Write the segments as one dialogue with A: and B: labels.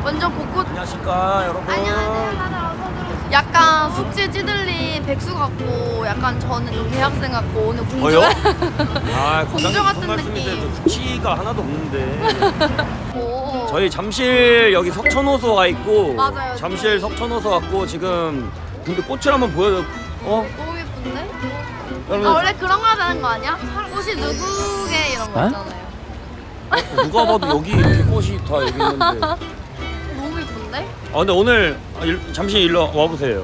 A: 완전 곳곳.
B: 안녕하십니까 여러분.
A: 안녕하세요. 약간 숙제 찌들린 백수 같고, 약간 저는 좀 대학생 같고, 오늘 공주.
B: 아,
A: 공주 같은
B: 말씀이세요.
A: 느낌.
B: 저 숙취가 하나도 없는데.
A: 오.
B: 저희 잠실 여기 석천호소 와 있고.
A: 맞아요.
B: 잠실 석천호소 왔고 지금. 근데 꽃을 한번 보여줘.
A: 너무 예쁜데?
B: 여러분.
A: 아, 원래 그런 거 하는 거 아니야? 꽃이 누구게 이런 거
B: 에?
A: 있잖아요.
B: 누가 봐도 여기 이렇게 꽃이 다 여기 있는데.
A: 너무 예쁜데?
B: 아 근데 오늘 잠시 일로 와보세요.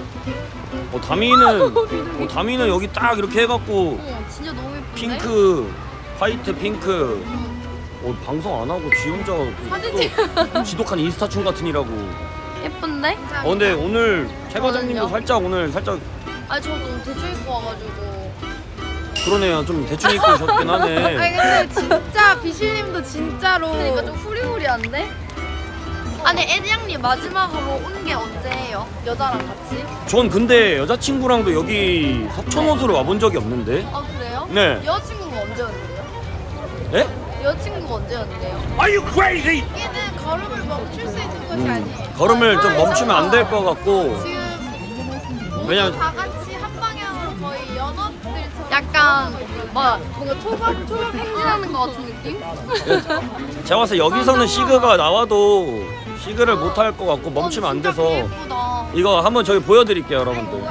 B: 다미는 여기 딱 이렇게 해갖고
A: 진짜 너무 예쁜데?
B: 핑크, 화이트 핑크. 방송 안 하고 지 혼자
A: 사진
B: 또 지독한 인스타충 같으니라고.
A: 예쁜데?
B: 근데 오늘 최 과장님도
A: 저는요?
B: 살짝
A: 아니 저 너무 대충 입고 와가지고.
B: 그러네요. 좀 대충 입고 오셨긴 하네.
C: 아니 근데 진짜 비실님도 진짜로
A: 그러니까 좀 후리후리한데? 아니 에디양님 마지막으로 온 게 언제예요? 여자랑 같이?
B: 전 근데 여자친구랑도 여기 석천호수로 와본 적이 없는데.
A: 아 그래요?
B: 네.
A: 여자친구가 언제였는데요?
B: 예?
A: 여자친구가 언제였는데요?
B: Are you crazy?
C: 얘는 걸음을 멈출 수 있는 것이 아니에요.
B: 걸음을 좀 멈추면 안 될 것 같고.
C: 지금 모두
B: 왜냐면-
C: 다 같이 한 방향으로 거의 연합들처럼
A: 약간 뭔가 초밥 행진하는 것 같은 느낌?
B: 제가 봤을 때 여기서는 시그가 나와도 시그를 못 할 것 같고 멈추면 안 돼서
A: 예쁘다.
B: 이거 한번 저희 보여드릴게요 여러분들.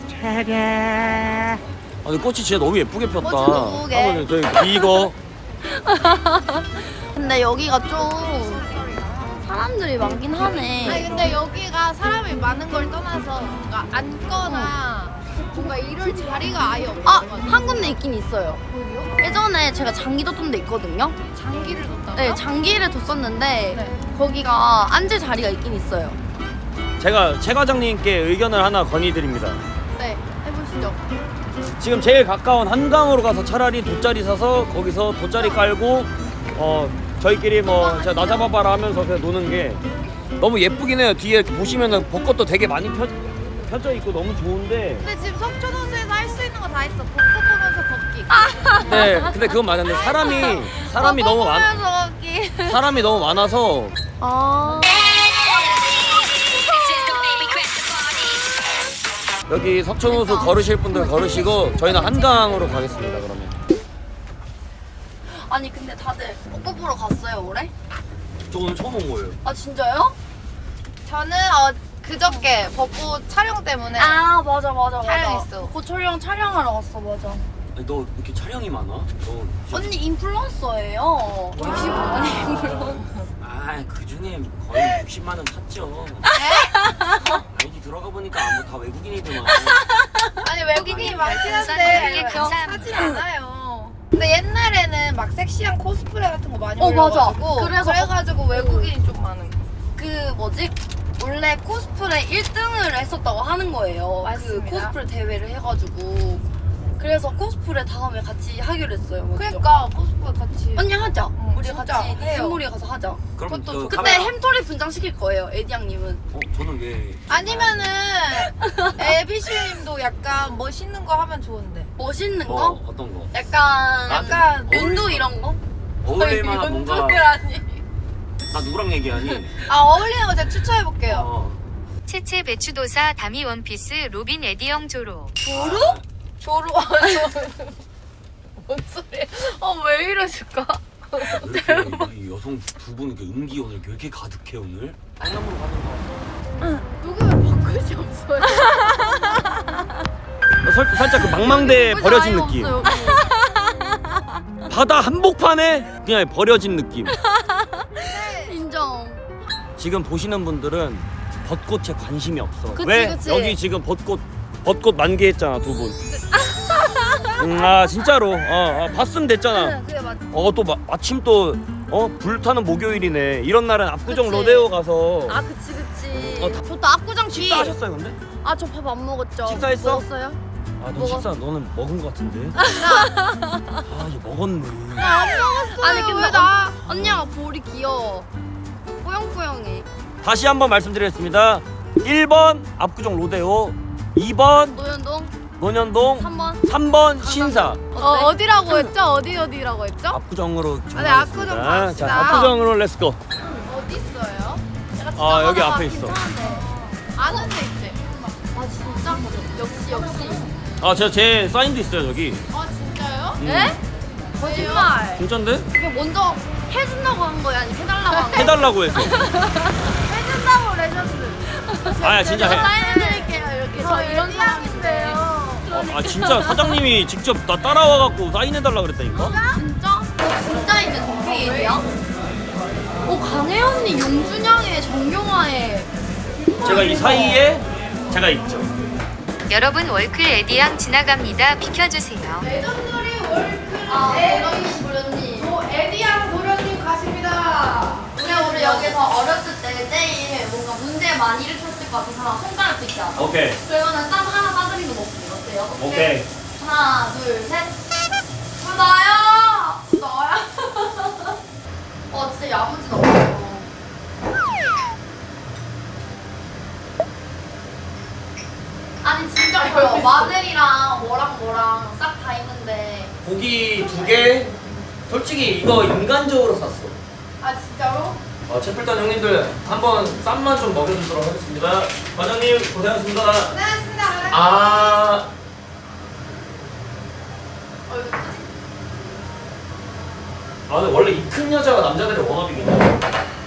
A: 아,
B: 근데 꽃이 진짜 너무 예쁘게 폈다.
A: 꽃이 너무 예쁘게.
B: 한번 저희 이거
A: 근데 여기가 좀 사람들이 많긴 하네.
C: 아니 근데 여기가 사람이 많은 걸 떠나서 뭔가 앉거나 뭔가 이럴 자리가 아예 없는
A: 아,
C: 것 같아요.
A: 한 군데 있긴 있어요. 예전에 제가 장기 뒀던 데 있거든요.
C: 장기를 뒀다가
A: 네, 장기를 뒀었는데
C: 네.
A: 거기가 앉을 자리가 있긴 있어요.
B: 제가 최 과장님께 의견을 하나 건의드립니다.
A: 네, 해보시죠.
B: 지금 제일 가까운 한강으로 가서 차라리 돗자리 사서 거기서 돗자리 깔고 저희끼리 뭐 제가 나 잡아봐라 하면서 그냥 노는 게 너무 예쁘긴 해요. 뒤에 이렇게 보시면은 벚꽃도 되게 많이 펴져 있고 너무 좋은데.
C: 근데 지금 석촌호수에서 할 수 있는 거 다 있어. 벚꽃 보면서 걷기.
B: 네, 근데 그건 맞는데 사람이 너무 사람이 너무 많아서
A: 아,
B: 여기 석촌호수 걸으실 분들 걸으시고 저희는 한강으로 가겠습니다. 그러면
A: 아니 근데 다들 벚꽃 보러 갔어요 올해?
B: 저 오늘 처음 온 거예요.
A: 아 진짜요?
C: 저는 그저께 벚꽃 촬영 때문에
A: 아 맞아.
C: 촬영했어.
A: 벚꽃 촬영하러 갔어 맞아.
B: 아니, 너 왜 이렇게 촬영이 많아? 너
A: 언니 인플루언서예요. 아니 인플루언서.
B: 그 중에 거의 60만 원 탔죠. 아이디 들어가 보니까 다 외국인이더만.
C: 아니 외국인이 많긴 한데 사진 않아요. 근데 옛날에는 막 섹시한 코스프레 같은 거 많이
A: 맞아.
C: 올려가지고
A: 그래가지고
C: 외국인이 좀 많은 거.
A: 그 뭐지? 원래 코스프레 1등을 했었다고 하는 거예요.
C: 맞습니다.
A: 그 코스프레 대회를 해가지고. 그래서 코스프레 다음에 같이 하기로 했어요. 먼저.
C: 그러니까 코스프레 같이.
A: 언니 하자. 우리
C: 진짜
A: 같이
C: 해요.
A: 샘물이 가서 하자.
B: 그럼
C: 그것도
B: 그
A: 그때
B: 카메라-
A: 햄토리 분장 시킬 거예요. 에디양님은.
B: 저는 왜?
C: 아니면은 에비실님도 약간 멋있는 거 하면 좋은데.
A: 멋있는 거?
B: 어떤 거?
A: 약간
B: 어울릴
A: 눈도
B: 거.
A: 이런 거?
B: 어울릴 만한 뭔가.
C: 아니.
B: 나 누구랑 얘기하니?
C: 어울리는 거 제가 추천해 볼게요.
D: 채채 배추도사 다미 원피스 로빈 에디영 조로.
C: 조로. 뭔 소리야? 왜 이러실까?
B: 왜 이렇게 이 여성 두 분 이렇게 음기 오늘 왜 이렇게 가득해 오늘? 강남으로 가는 거.
C: 누구면 벚꽃이 없어요.
B: 살짝 그 망망대에
A: 예쁘지
B: 버려진
A: 아예
B: 느낌.
A: 없어, 여기.
B: 바다 한복판에 그냥 버려진 느낌.
A: 인정.
B: 지금 보시는 분들은 벚꽃에 관심이 없어.
C: 그치,
B: 왜?
C: 그치.
B: 여기 지금 벚꽃 만개했잖아 두 분. 진짜로. 봤으면 됐잖아.
A: 그게 맞.
B: 또 마침 또 불타는 목요일이네. 이런 날은 압구정
A: 그치.
B: 로데오 가서
A: 아 그치.
B: 다-
A: 저도 압구정 뒤.
B: 식사하셨어요 근데?
A: 아 저 밥 안 먹었죠.
B: 식사했어?
A: 먹었어요?
B: 너
A: 먹었어.
B: 식사 너는 먹은 것 같은데? 얘 먹었네.
A: 아니 근데
C: 왜 나?
A: 언니가 볼이 귀여워. 뽀용뽀용해.
B: 다시 한번 말씀드리겠습니다. 1번 압구정 로데오, 2번
A: 노현동
B: 논현동,
A: 3번.
B: 3번 신사.
A: 어때?
C: 어디라고 했죠? 어디라고 했죠?
B: 압구정으로
C: 네, 압구정
B: 정하겠습니다.
C: 갑시다.
B: 자, 압구정으로 렛츠고.
C: 어디 있어요? 제가
B: 아 여기 앞에 있어.
C: 아는 데 있지?
A: 아 진짜? 역시.
B: 아 제가 제 사인도 있어요 저기.
C: 아 진짜요?
A: 네? 거짓말.
B: 진짠데?
A: 그게 먼저 해준다고 한 거야 아니면 해달라고 한 거야?
B: 해달라고 해서.
A: 해준다고 레전드.
B: 아 진짜 해.
A: 사인해드릴게요 이렇게. 저 이런 사람인데요.
B: 아 진짜 사장님이 직접 나 따라와갖고 사인해달라 그랬다니까?
A: 진짜? 진짜 이제 동케이드야? 강혜언니, 용준영의 정경화의
B: 제가 이 사이에 제가 있죠.
D: 여러분 월클 에디양 지나갑니다. 비켜주세요.
C: 레전더리 월클
A: 도련님 도련님.
C: 에디양 도련님 가십니다.
A: 우리 여기서 어렸을 때 제일 뭔가 문제 많이 일으켰을 것 같은 사람 손가락 찍기 하자.
B: 오케이.
A: 그러면은 쌈 하나 싸드리는 거 먹기 어때요?
B: 오케이.
A: 하나 둘 셋. 나야. 진짜 야무지다. 아니 진짜 보여. 마늘이랑 뭐랑 싹 다 있는데.
B: 고기 2개. 솔직히 이거 인간적으로 샀어.
C: 아 진짜로?
B: 채플단 형님들 한번 쌈만 좀 먹여주도록 하겠습니다. 과장님 고생하셨습니다.
C: 고생하셨습니다.
B: 아. 아 근데 원래 이 큰 여자가 남자들의 워너비긴 해.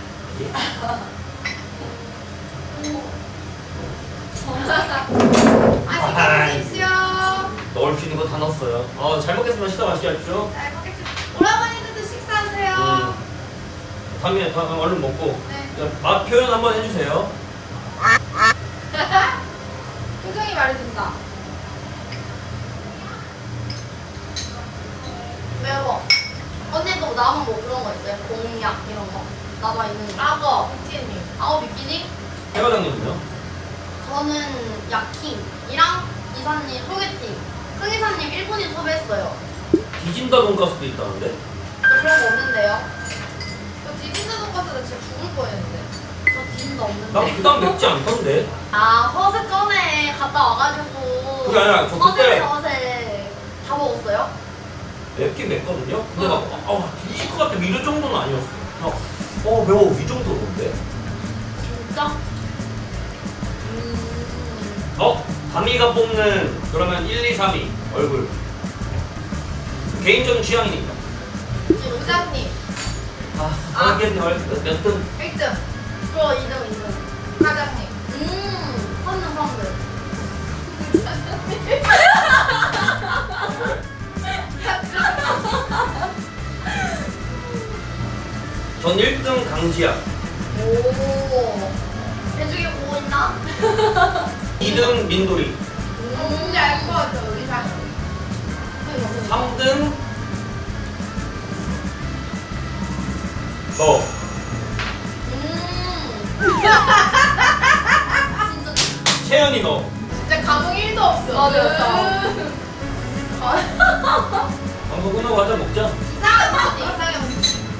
C: 안녕히
B: 넣을 수 있는 거 다 넣었어요. 잘 먹겠습니다. 식사 맛있게 하십시오.
C: 잘 먹겠습니다. 오라버니들도 식사하세요.
B: 다음에 얼른 먹고
C: 네.
B: 자, 맛 표현 한번 해주세요.
C: 표정이 말해준다.
A: 매워. 언니도 남은 뭐 그런 거 있어요? 공약 이런 거 남아 있는 거.
C: 악어, 빅치님.
A: 아우 비키니?
B: 해 과장님은요?
A: 저는 야킹이랑 이사님 소개팅. 승이사님 일본인 섭외했어요.
B: 디진다 돈가스도 있다는데?
A: 저 그런 거 없는데요?
C: 저 디진드 돈가스도 진짜 죽을 뻔했는데.
A: 저 디진도
B: 나
A: 없는데.
B: 그다음 맵지 않던데?
A: 허세 전에 갔다 와가지고.
B: 그게 아니라 저 그때-
A: 허세 다 먹었어요?
B: 맵긴 맵거든요? 근데 막 뒤질 것 같아 이런 정도는 아니었어. 매워 이 정도인데?
A: 진짜?
B: 다미가 뽑는 그러면 1, 2, 3위 얼굴 개인적인 취향이니까.
C: 부장님.
B: 이게 몇 등?
C: 1등.
A: 저 2등.
C: 과장님.
A: 선등.
B: 전 1등 강지야.
A: 오. 대중에 보고 있나?
B: 2등 민돌이.
C: 뭔지 알 것 같아, 우리 사실.
B: 3등 너.
A: 진짜
B: 채연이 너.
C: 진짜 감흥 1도 없어.
A: 맞아.
B: 방송 끝나고 가자 먹자.
C: 이상형.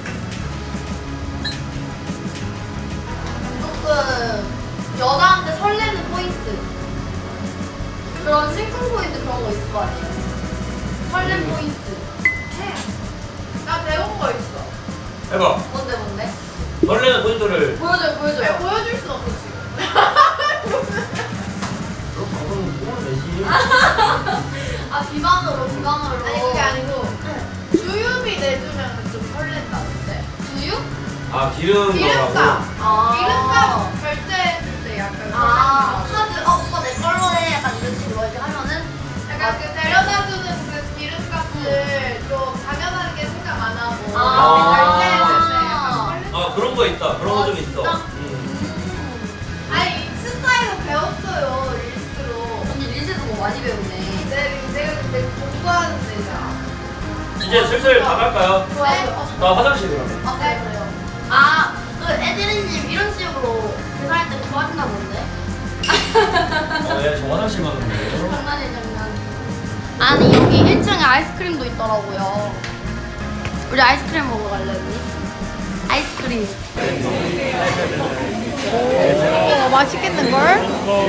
A: 조금 여자한테 설레는 포인트. 그런 심쿵 포인트 그런 거 있을 거 아니에요? 설렘 포인트.
C: 나 배운 거 있어.
B: 해봐.
A: 뭔데?
B: 설레는 포인트를.
A: 보여줘요.
C: 왜 보여줄 수 없어, 지금.
B: 그럼 방송 뽕을 내지.
A: 비방으로.
C: 아니, 그게 아니고, 주유비 내주면 좀 설렌다던데.
A: 주유?
B: 기름
C: 기름값.
B: 넣으라고.
C: 기름값 결제해줄 때 약간
A: 카드. 오빠 내 걸로 해. 약간 이런 식으로 이렇게 하면은
C: 약간 그 데려다주는 그 기름값을 좀 당연하게 생각 안 하고 결제해줄 때 약간 설렌.
B: 그런 거 있다. 그런 거 좀 있어.
A: 진짜?
C: 아니, 스타일로 배웠어요, 릴스로.
A: 언니 릴스에서 뭐 많이 배우네.
C: 내가 근데 공부하는 데잖아.
B: 이제 슬슬 가갈까요?
A: 좋아요.
B: 나 화장실 그러면.
A: 그래요. 그 에드리님 이런 식으로 대사할 때 좋아하시나 본데?
B: 저 화장실만 갔는데.
A: 장난. 아니 여기 1층에 아이스크림도 있더라고요. 우리 아이스크림 먹으러 갈래 언니? 아이스크림. 오 맛있겠는걸?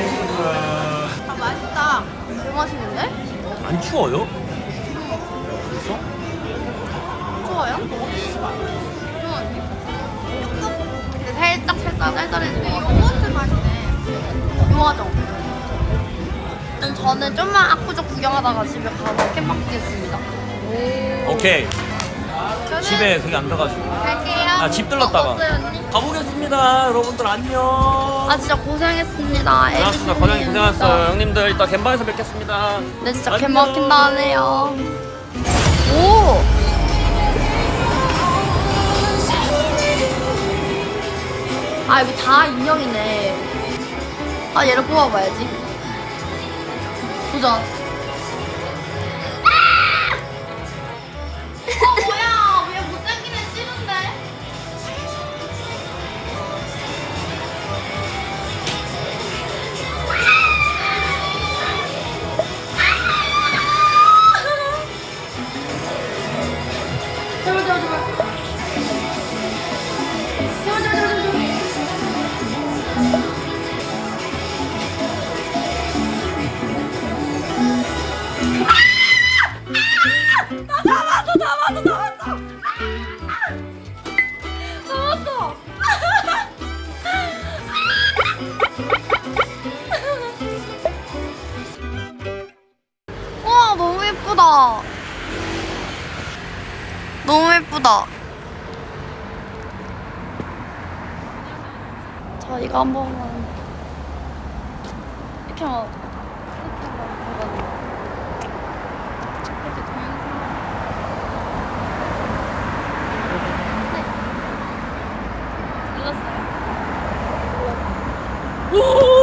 A: 맛있다. 개 맛있는데?
B: 안 추워요?
A: 추워요? 근데 살짝 아, 쌀쌀해지고.
C: 요거트 맛이네.
A: 좋아하죠? 그럼 저는 좀만 압구정 구경하다가 집에 가서 캠방 뛰겠습니다.
B: 오케이.
C: 저는
B: 집에 그게 안 들어가지고.
C: 갈게요.
B: 아, 집 들렀다가.
A: 어때요, 언니?
B: 가보겠습니다. 여러분들 안녕.
A: 아, 진짜 고생했습니다.
B: 고생하셨습니다. 과장님 고생하셨어요. 형님들 이따 갬방에서 뵙겠습니다.
A: 네, 진짜
B: 안녕.
A: 개 막힌다 하네요. 오! 아, 여기 다 인형이네. 아, 얘를 뽑아봐야지. 도전. 뭐야? 왜 못생긴 애 싫은데? 제발, 제발, 제발. 제발, 제발, 제발, 제발. 잡았어. 와, 너무 예쁘다. 너무 예쁘다. 자, 이거 한 번만 이렇게 한번 이렇게 동영상 눌렀어요. 오!